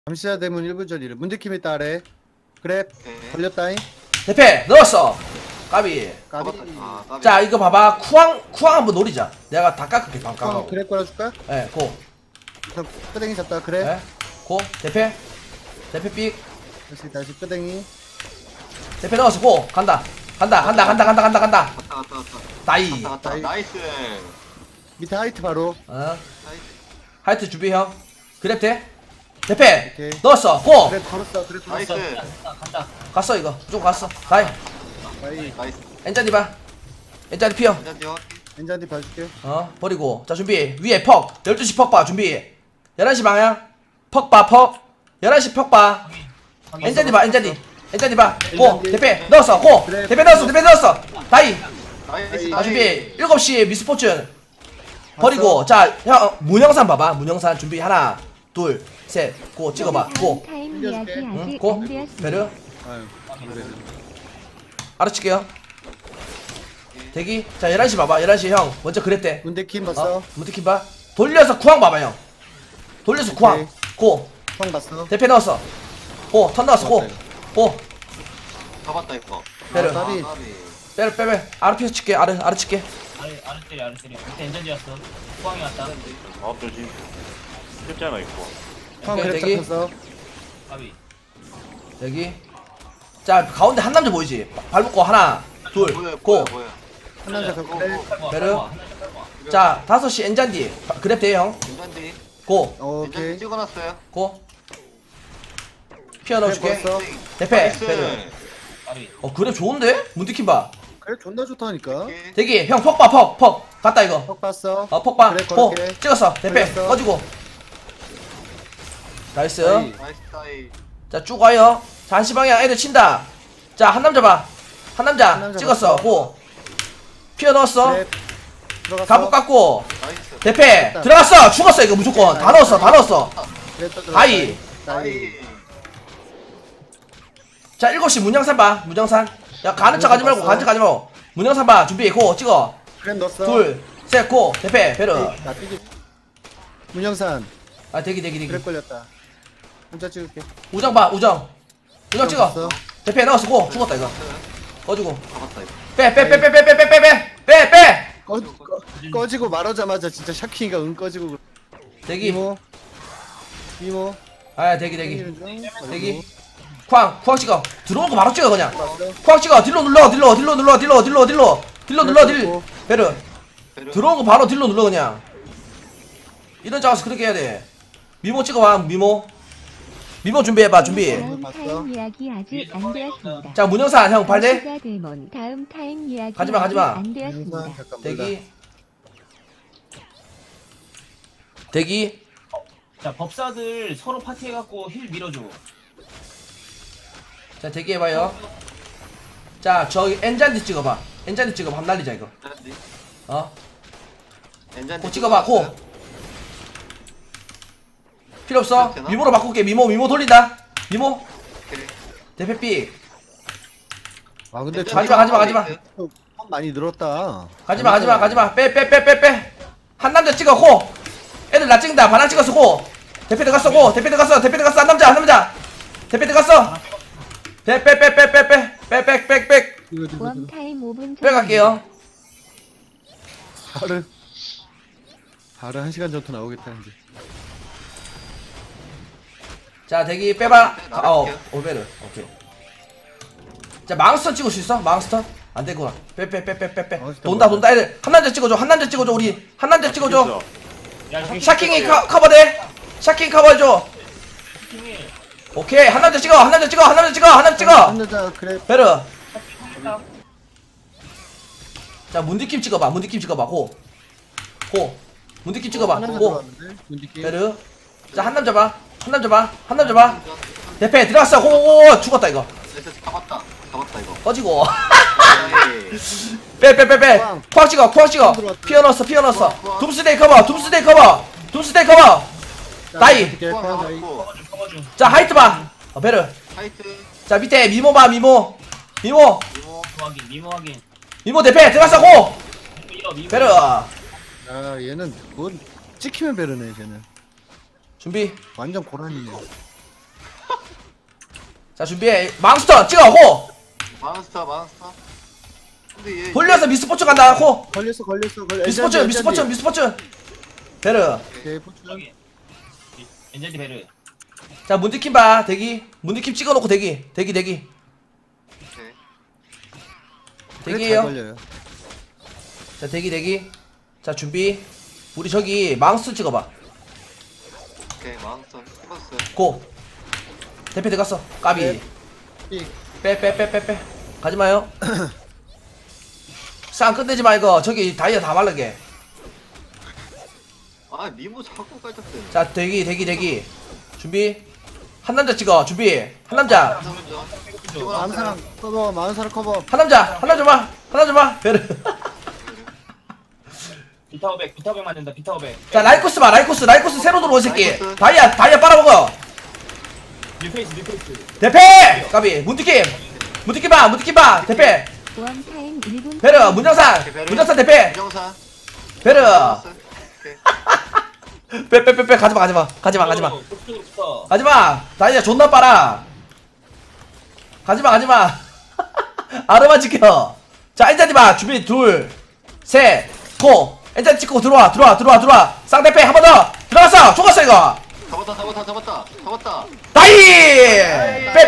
감시자 대문 1분 전이래. 문제킴에 따래. 그래. 걸렸다잉. 대패 넣었어. 까비. 까비. 까비. 자 이거 봐봐. 쿠앙 한번 노리자. 내가 다 깎을게 방깡하고. 그래 걸어줄까? 예, 고. 우선 끄댕이 잡다. 그래. 예, 고. 대패. 대패 삑. 다시 끄댕이. 대패 넣었어. 고. 간다. 간다. 갔다. 다이. 갔다. 나이스. 밑에 하이트 바로. 어. 하이트 준비 형. 그랩 돼. 대패. 오케이. 넣었어. 고. 그래 걸었어. 그래 걸었어. 나이스. 간다. 갔어 이거. 무조건 갔어. 다이. 다이. 나이스. 엔자디 봐. 엔자디 피어. 한잔 뛰어. 엔잔디 봐줄게. 버리고. 자 준비. 위에 퍽. 12시 퍽 봐. 준비. 11시 방향. 퍽 봐. 퍽. 11시 퍽 봐. 엔자디 봐. 엔자디 봐. 고. 대패 넣었어. 고. 그래. 대패 넣었어. 다이. 나이스. 자 준비. 7시 미스포춘. 버리고. 자 형 문영산 봐봐. 문영산 준비. 하나 둘 셋. 고 찍어봐. 고. 타임 이야기 아직 고. 안 되었습니다. 베르. 아유. 그래. 알아칠게요. 대기. 자 11시 봐봐. 11시 형 먼저 그랬대. 문제킴 봤어. 무티킨 봐. 돌려서 쿠앙 봐봐 형. 돌려서 쿠앙. 오케이. 고. 형 봤어. 대패 넣었어. 고. 턴 넣었어. 고. 고. 잡았다 이거. 베르. 아, 까비. 빼. 아르 피스 칠게. 아르 칠게. 아래 때려. 밑에 엔전지였어. 포항이 왔다. 아, 조심. 쉽잖아, 이거. 형 오케이, 그래 대기. 잡혔어. 까비. 여기. 자 가운데 한 남자 보이지? 발 묶고 하나 둘 고. 한 남자 갖고 그래. 베르. 자 5시 엔잔디. 그랩 돼 형. 인간디. 고. 오케이. 인간디 찍어놨어요. 고. 피어 넣어줄게. 그래, 걸었어. 대패. 나이스. 베르. 까비. 그랩 좋은데? 문디킨 봐. 그래 존나 좋다니까. 대기. 형 퍽 봐. 퍽. 갔다 이거. 형 봤어. 퍽 봐. 그래, 고. 걸을게. 찍었어. 대패. 걸렸어. 꺼지고. 나이스. 다이. 나이스 타이. 자 쭉 와요. 자 한시 방향 애들 친다. 자 한 남자 봐. 한 남자 남자 찍었어. 봤어. 고. 피어 넣었어. 그래. 들어갔어. 갑옷 깎고. 나이스. 대패 됐다. 들어갔어. 죽었어 이거 무조건. 다 넣었어. 그래, 또 들어갔다. 다이. 다이. 자 7시 문영산 봐. 문영산. 야 가는 척 하지 말고 봤어. 가는 척 하지 말고. 문영산 봐. 준비. 고 찍어. 그래 넣었어. 둘 셋 고. 대패 베르. 나 뛰기. 문영산. 아 대기. 그래 걸렸다. 혼자 찍을게. 우정 봐. 우정 찍어. 봤어. 대패 넣었어. 고. 죽었다 이거. 꺼지고. 잡았다 이거. 빼. 꺼지고 말하자마자 진짜 샤킹이가 꺼지고 그래. 대기. 이모 아 대기. 땡기는 중. 대기. 쿠앙 찍어. 들어온 거 바로 찍어 그냥. 봤어. 쿠앙 찍어. 딜로 눌러. 딜. 베르. 베르. 들어온 거 바로 딜로 눌러 그냥. 이런 작업에서 그렇게 해야 돼. 미모 찍어봐. 미모 준비해봐. 준비. 다음 타임 이야기 아직 안 되었습니다. 자 문영산 형 발대. 감시자 대문 다음 타임 이야기 가지마. 아직 안 되었습니다. 잠깐 대기. 자 법사들 서로 파티해갖고 힐 밀어줘. 자 대기 해봐요. 자 저기 엔잔디 찍어봐. 한번 날리자 이거. 인간디. 고 찍어봐. 고. 필요 없어. 미모로 바꿀게. 미모 돌린다. 미모. 대패 삑. 아 근데 가지마. 폰 많이 늘었다. 가지마. 빼. 한 남자 찍어. 고. 애들 나 찍는다. 반항 찍었어. 고. 대패 들어갔어. 고. 대패 들어갔어. 한 남자. 대패 들어갔어. 빼. 원 타임 5분 전. 빼갈게요. 바로 1시간 전부터 나오겠다 이제. 자 대기 빼봐. 오베르. 오케이. 자 망스터 찍을 수 있어? 망스터? 안 되구나. 빼. 돈다 애들. 한 남자 찍어줘. 우리 한 남자 찍어줘. 야 샤킹이 커버돼. 샤킹 커버해줘. 오케이. 한 남자 찍어. 한 여자 그래. 베르. 자 문디킴 찍어봐. 고. 문디킴 찍어봐. 하나 고. 들어왔는데. 문디킴. 베르. 자 한 남자 봐. 대패 들어갔어. 고. 죽었다 이거. 잡았다 이거. 꺼지고. 나이스. 빼. 쿠앙 찍어. 피어 넣었어. 둠스데이 커버. 다이. 커버줘. 자 하이트 봐. 베르. 하이트. 자 밑에 미모 봐. 미모 이모. 미모 확인. 대패 들어갔어. 고. 미모. 베르. 아 얘는 뭔 찍히면 베르네 쟤는. 준비. 완전 고라니네. 자 준비해. 망스터 찍어 호. 마운스터. 근데 얘 돌려서 미스포츠 간다 호. 걸렸어. 미스포츠. 베르. 오케이 포춘. 저기 엔젤리 베르. 자 문디킴 봐 대기. 문디킴 찍어놓고 대기. 오케이. 대기에요. 걸려요. 자 대기. 자 준비. 우리 저기 망스 찍어봐. 오케이 마운스터 찍었어. 고. 대패 들어갔어. 까비. 네. 삑. 빼. 가지마요. 싸움 끝내지 마 이거. 저기 다이아 다 말르게. 아 미모 자꾸 깔짝대. 자 대기. 준비. 한 남자 찍어. 준비. 한 남자. 마음 사람 커버. 마음 사람 커버. 한 남자 봐. 베르. 비타오백 맞는다. 비타오백. 자 라이코스 봐. 라이코스 새로 들어온 새끼. 라이코스. 다이아 빨아먹어. 뉴페이스. 대패. 까비. 문티킴 봐. 대패. 웜타임 1분 베르. 문정산 대패. 정사. 베르. 오케이. 빼. 가지마. 그쪽으로부터. 가지마. 다이아 존나 빨아. 가지마. 아르만 지켜. 자 엔자디 봐. 준비 둘, 셋, 고. 엔자디 찍고 들어와. 쌍대패 한 번 더. 들어갔어. 죽었어 이거. 잡았다. 다이. 빼.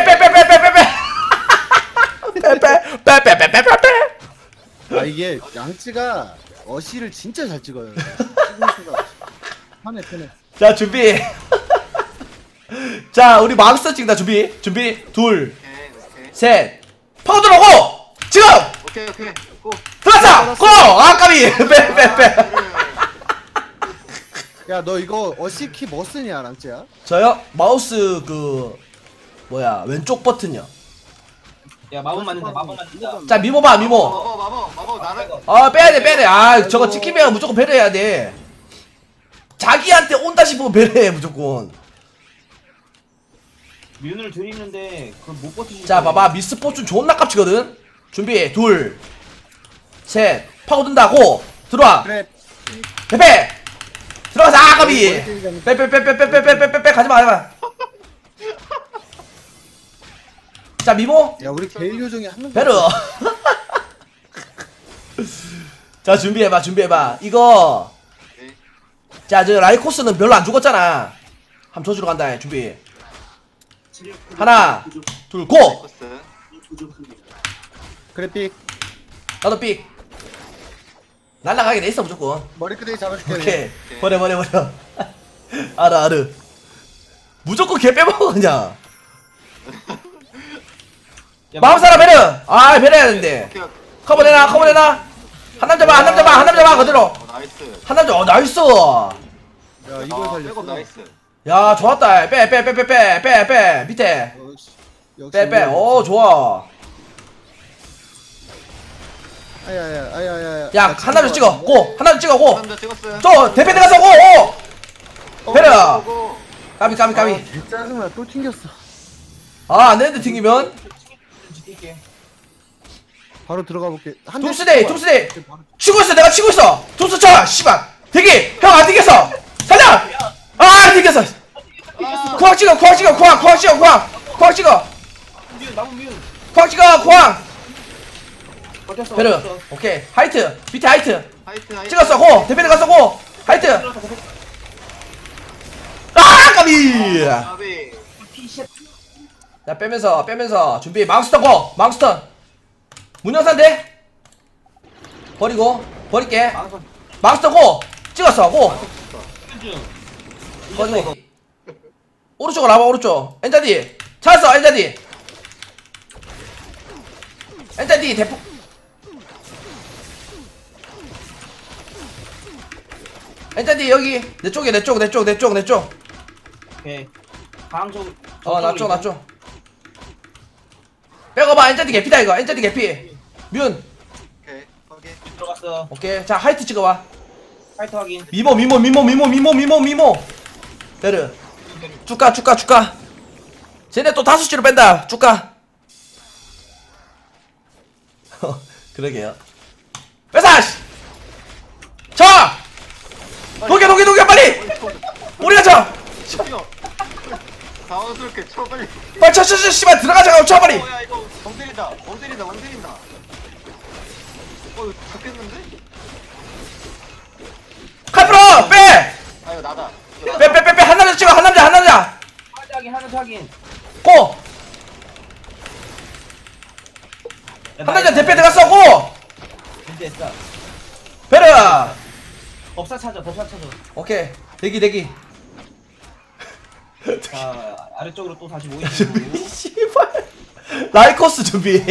아 이게 양치가 어시를 진짜 잘 찍어요. 찍을 수가 편해. 자 준비. 자 우리 맘스터 찍는다. 준비 둘, 오케이. 셋. 파워 들어오고 지금 오케이. 고. 들어갔어. 고. 아까비. 빼. 야 너 이거 어시 키 뭐 쓰냐 랑찌야? 저요 마우스 그 뭐야 왼쪽 버튼이요. 야 마법 맞는다. 자 미모 봐. 마법 나를. 빼야돼. 아 저거 찍히면 무조건 배려해야 돼. 자기한테 온다 싶으면 배려해 무조건. 뮨을 들이는데 그걸 못 버티지. 자 봐봐 미스포춘 존나 깝치거든. 준비 둘, 셋. 파고든다고 들어와. 그래. 대패 들어가서 아까비. 빼. 가지마. 자 미모 야 우리 게일 요정이 한 명. 베르. 자 준비해봐. 이거 자 저 라이코스는 별로 안 죽었잖아. 한번 줘주러 간다. 준비 하나 둘 고. 그래 삑. 나도 삑. 날라가게 돼 있어 무조건. 머리끄댕이 잡아줄게. 오케이 버려. 알아. 무조건 걔 빼먹어 그냥. 마음사라 베르. 아 베르 해야 되는데. 커버 내놔. 한 남자 봐 그대로. 나이스. 한 남자 나이스. 야 이걸 살렸어. 백업 나이스. 야 좋았다. 빼 밑에. 역시 빼. 오 좋아. 아야야. 야 한 남자 찍어. 고. 한 남자 찍어 고. 남자 찍었어요. 저 대패 들어가서 고. 베르. 고. 까비. 짜증나 또 튕겼어. 아 안되는데 튕기면. 지킬게. 바로 들어가 볼게. 둠스데이. 치고 있어. 내가 치고 있어. 둠스 쳐. 씨발. 대기. 형 안 튕겼어. 살려. 아 튕겼어. 쿠왕 찍어. 쿠왕 찍어. 쿠왕 찍어. 버텼어. 베르. 오케이. 하이트. 밑에 하이트. 하이트. 찍었어. 고. 대패 들어갔어. 고. 하이트. 아 까비. 아비. 자 빼면서 준비. 망스터 고. 망스터. 문영산 돼. 버릴게. 망스터 고. 찍었어. 고. 버리고. 오른쪽으로 와봐. 오른쪽. 엔자디. 찾았어. 엔자디 대포. 엔자디 여기 내 쪽에 내 쪽. 오케이. 강쪽. 나 쪽. 빼고봐. 엔자디 개피다 이거. 엔자디 개피. 뮨. 오케이. 확인. 들어갔어. 오케이. 자 하이트 찍어봐. 파이터 확인. 미모. 베르. 쭉가. 쟤네 또 5시로 뺀다. 쭉가. 그러게요. 빼사. 자. 녹여 빨리. 우리가 쳐. 당황스럽게 쳐 빨리. 빨리 쳐 씨발 들어가자 쳐 빨리. 야 이거 멍 때린다. 멍 때린다. 멍 때린다. 이거 잡겠는데? 칼프로 빼. 아 이거 나다. 빼 한 남자 찍어 한 남자 하는 확인. 고. 한 남자 대패 들어갔어 고. 이제 했어. 베르. 법사 찾아. 오케이 대기. 자 아래쪽으로 또 다시 모이는 씨발 라이코스 준비.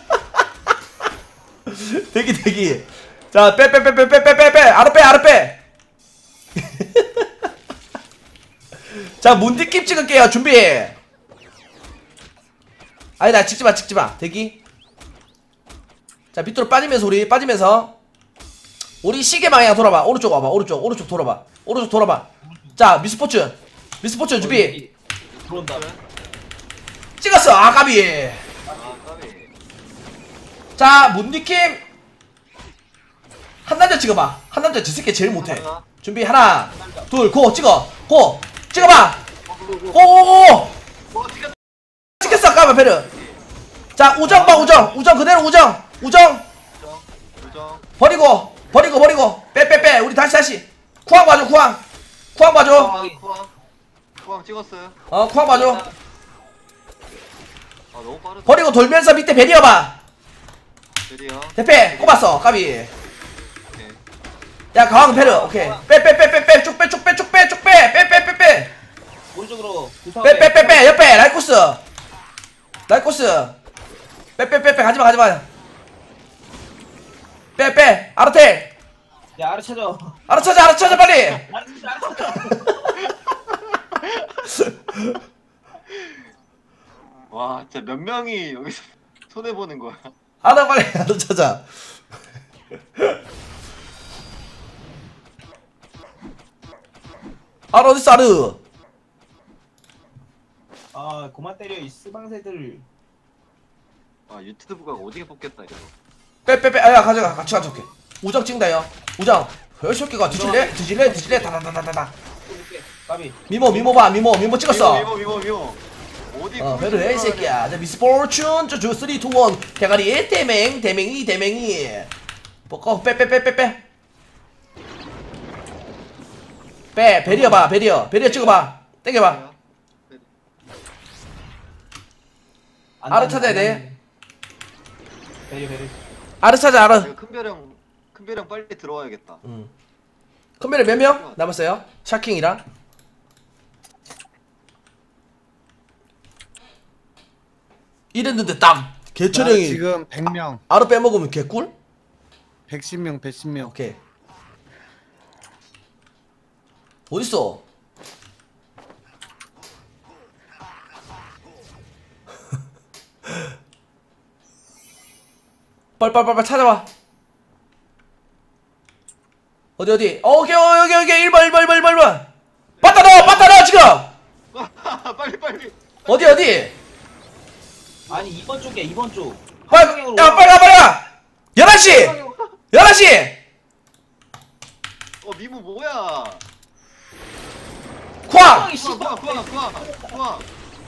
대기. 자 빼 아래 빼. 자 문디킵 찍을게요 준비. 아니다 찍지마 대기. 자 밑으로 빠지면서 우리 시계 방향 돌아봐. 오른쪽 와봐. 오른쪽 돌아봐. 자 미스포츠 준비. 들어온다. 찍었어. 아 까비. 아 까비. 자 문디킴 한 남자 찍어봐. 한 남자 저 새끼 제일 못해. 준비 하나 둘 고 찍어봐. 고고고 찍혔어. 까봐 베르. 자 우정 봐. 우정 그대로 우정 우정. 버리고 빼 우리 다시 쿠앙 봐줘. 쿠왕 찍었어요. 쿠앙 봐줘. 아 너무 빠르다. 버리고 돌면서 밑에 베리어 봐. 드디어. 대패 꼽았어. 까비. 오케이. 야 가왕 베르. 오케이 빼 쭉빼 오른쪽으로. 빼 옆에 라이코스 빼 가지마 빼 아르텔 야 아래 찾아. 알아차자 빨리. 아래 찾아. 와 진짜 몇 명이 여기서 손해 보는 거야. 빨리 알아차자. 어딨어 아르. 아 그만 때려 이 쓰방새들. 아 유튜브가 어디게 뽑겠다 이거. 빼 아야 가져가 같이 가져올게. 우정 찍는다요. 우정 이 새끼가 뒤질래 다다다다다. 까비. 미모 봐 미모 찍었어. 미모. 어디? 베르 이 새끼야. 자 미스포춘 저 3, 2, 1 대가리 대맹이 뻗고 빼 베리어 봐 베리어 찍어봐. 땡겨봐. 아르 찾아야 돼. 베리. 아르 찾아 아르. 큰 벼령 빨리 들어와야겠다. 컴퓨터 몇 명 남았어요? 샤킹이랑 이랬는데 딱 개철형이 지금 100명, 아르 빼먹으면 개꿀? 110명. 오케이. 어딨어? 빨리 찾아와. 어디 오케이 여기 1번 빠따 넣어 지금. 빨리. 어디 아니 2번 쪽이야 2번 쪽. 빨리 가 11시 미모 뭐야? 쿠앙 구왕.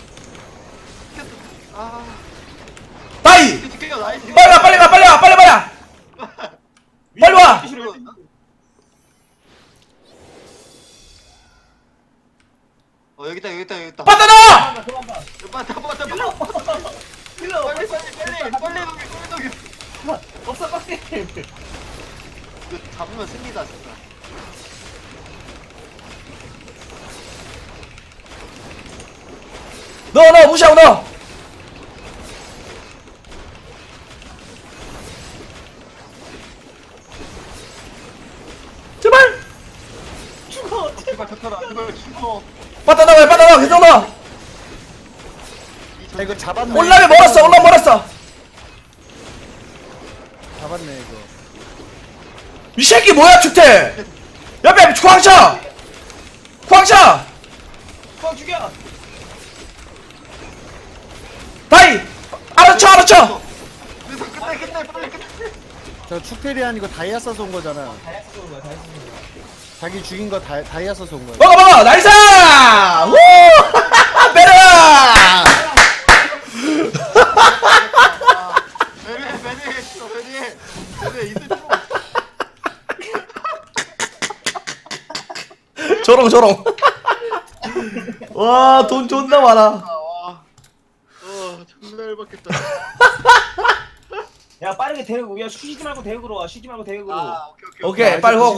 아. 다이 지켜요 나이스. 빨리 가 빨리 와. 여기 있다. 빠따 넣어. 빠따. 힐러. 빨리. 없어 빡대. 이거 잡으면 승리다 진짜. 넣어 무시하고 넣어. 제발 제발 닥쳐라. 이걸 죽어. 빠따 넣어 계속 넣어. 이거 잡았네. 올라면 멀었어. 잡았네 이거. 이 새끼 뭐야 축태. 옆에 쿠앙차. 꽉 죽여. 다이 알아쳐. 끝내 빨리. 저 축테리안 이거 다이아 써서 온 거잖아. 다이아스 쏘는 거야. 자기 죽인 거 다이아 써서 온 거야. 먹어 나이스. 우 베르! 베리 이들 좀 조롱. 와, 돈 존나 많아. 존나 열받겠다. 야 빠르게 대극. 야 쉬지 말고 대극으로 와. 쉬지 말고 대극으로. 오케이. 오케이, 빨리 고.